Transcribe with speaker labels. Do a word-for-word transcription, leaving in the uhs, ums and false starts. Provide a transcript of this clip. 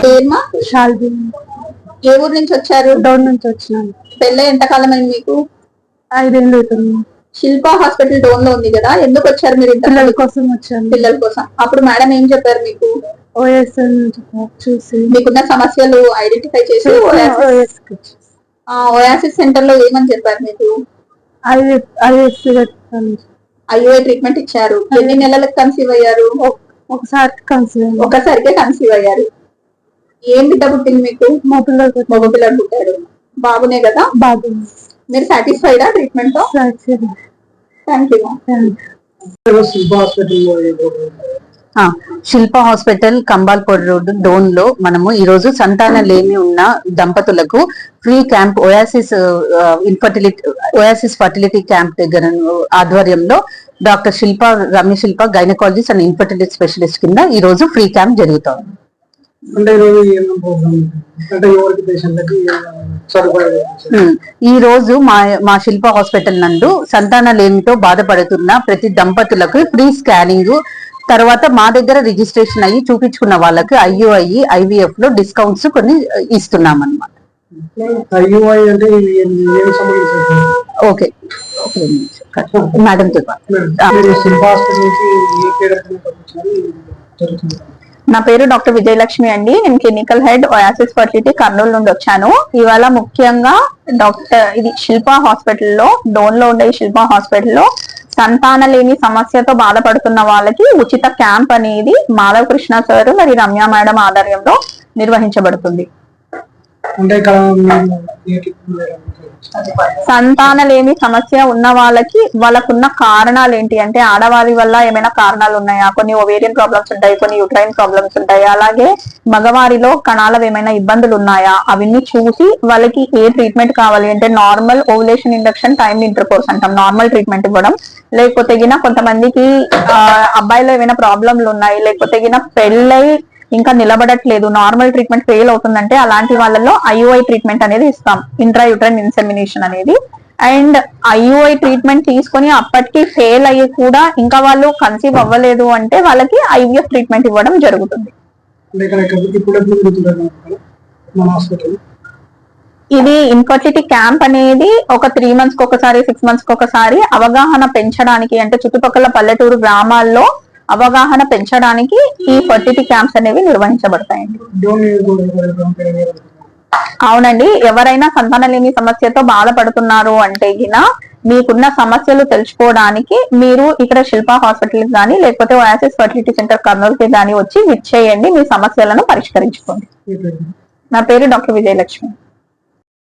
Speaker 1: పేరుమా
Speaker 2: షాల్బీ.
Speaker 1: ఏ ఊరు నుంచి వచ్చారు?
Speaker 2: డౌన్ నుంచి వచ్చినాను.
Speaker 1: పెళ్ళి ఎంత కాలం అయింది మీకు?
Speaker 2: ఐదేళ్ళు అవుతుంది.
Speaker 1: శిల్పా హాస్పిటల్ డోన్ లో ఉంది కదా, ఎందుకు వచ్చారు మీరు?
Speaker 2: పిల్లల కోసం వచ్చాను.
Speaker 1: పిల్లల కోసం. అప్పుడు మేడం ఏం చెప్పారు మీకు?
Speaker 2: ఓఎస్ చూసి
Speaker 1: మీకున్న సమస్యలు ఐడెంటిఫై చేసి ఓయాసిస్ సెంటర్ లో ఏమని చెప్పారు మీకు? ఐఓఐ ట్రీట్మెంట్ ఇచ్చారు. ఎన్ని నెలలకు కన్సీవ్ అయ్యారు?
Speaker 2: ఒకసారి కన్సీవ్
Speaker 1: ఒకసారికే కన్సీవ్ అయ్యారు. ఏం బిడ్డ పుట్టింది మీకు?
Speaker 2: మగ పిల్లలు
Speaker 1: మగ పిల్లలు పుట్టారు. బాబునే కదా?
Speaker 2: బాబు.
Speaker 1: మీరు సాటిస్ఫైడా ట్రీట్మెంట్ తో? Thank you.
Speaker 3: Shilpa hospital Kambalpur road Dhone లో మనము ఈ రోజు సంతాన లేమి ఉన్న దంపతులకు free camp Oasis infertility Oasis fertility camp దగ్గర ఆధ్వర్యంలో doctor Shilpa Ramya Shilpa gynaecologist and infertility specialist కింద ఈ రోజు ఫ్రీ క్యాంప్ జరుగుతుంది. ఈ రోజు మా మా శిల్ప హాస్పిటల్ నందు సంతాన లేమితో బాధపడుతున్న ప్రతి దంపతులకు ఫ్రీ స్కానింగ్, తర్వాత మా దగ్గర రిజిస్ట్రేషన్ అయ్యి చూపించుకున్న వాళ్ళకి ఐయుఐ ఐవీఎఫ్ లో డిస్కౌంట్స్ కొన్ని ఇస్తున్నాం అన్నమాట. Okay madam.
Speaker 1: నా పేరు డాక్టర్ విజయలక్ష్మి అండి. నేను clinical head Oasis fertility Kurnool నుండి వచ్చాను. ఇవాళ ముఖ్యంగా డాక్టర్ ఇది శిల్పా హాస్పిటల్లో డోన్ లో ఉండే శిల్పా హాస్పిటల్లో సంతాన లేని సమస్యతో బాధపడుతున్న వాళ్ళకి ఉచిత క్యాంప్ అనేది మాధవ్ కృష్ణ సార్ మరి రమ్య మేడం ఆధ్వర్యంలో నిర్వహించబడుతుంది. సంతానలేమి సమస్య ఉన్న వాళ్ళకి వాళ్ళకున్న కారణాలు ఏంటి అంటే, ఆడవారి వల్ల ఏమైనా కారణాలు ఉన్నాయా, కొన్ని ఓవేరియన్ ప్రాబ్లమ్స్ ఉంటాయి, కొన్ని యూట్రైన్ ప్రాబ్లమ్స్ ఉంటాయి, అలాగే మగవారిలో కణాల ఏమైనా ఇబ్బందులు ఉన్నాయా అవన్నీ చూసి వాళ్ళకి ఏ ట్రీట్మెంట్ కావాలి అంటే normal ovulation induction time intercourse అంటాం, నార్మల్ ట్రీట్మెంట్ ఇవ్వడం. లేకపోతే గిన కొంతమందికి ఆ అబ్బాయిలో ఏమైనా ప్రాబ్లంలు ఉన్నాయి, లేకపోతే గిన పెళ్ళై ఇంకా నిలబడట్లేదు, నార్మల్ ట్రీట్మెంట్ ఫెయిల్ అవుతుందంటే అలాంటి వాళ్ళలో ఐయుఐ ట్రీట్మెంట్ అనేది ఇస్తాం, ఇంట్రా యూట్రైన్ ఇన్సెమినేషన్ అనేది. అండ్ ఐయుఐ ట్రీట్మెంట్ తీసుకొని అప్పటికి ఫెయిల్ అయ్యి కూడా ఇంకా వాళ్ళు కన్సీవ్ అవ్వలేదు అంటే వాళ్ళకి ఐవీఎఫ్ ట్రీట్మెంట్ ఇవ్వడం జరుగుతుంది. ఇది ఇన్ఫర్టిలిటీ క్యాంప్ అనేది ఒక త్రీ మంత్స్ కి ఒకసారి సిక్స్ మంత్స్ కి ఒకసారి అవగాహన పెంచడానికి, అంటే చుట్టుపక్కల పల్లెటూరు గ్రామాల్లో అవగాహన పెంచడానికి ఈ ఫర్టిలిటీ క్యాంప్స్ అనేవి నిర్వహించబడతాయండి. అవునండి, ఎవరైనా సంతానలేమి సమస్యతో బాధపడుతున్నారు అంటే గిన మీకున్న సమస్యలు తెలుసుకోవడానికి మీరు ఇక్కడ శిల్పా హాస్పిటల్ కానీ లేకపోతే ఓయాసిస్ ఫర్టిలిటీ సెంటర్ కర్నూలు కి కానీ వచ్చి విచ్చేయండి, మీ సమస్యలను పరిష్కరించుకోండి. నా పేరు డాక్టర్ విజయలక్ష్మి.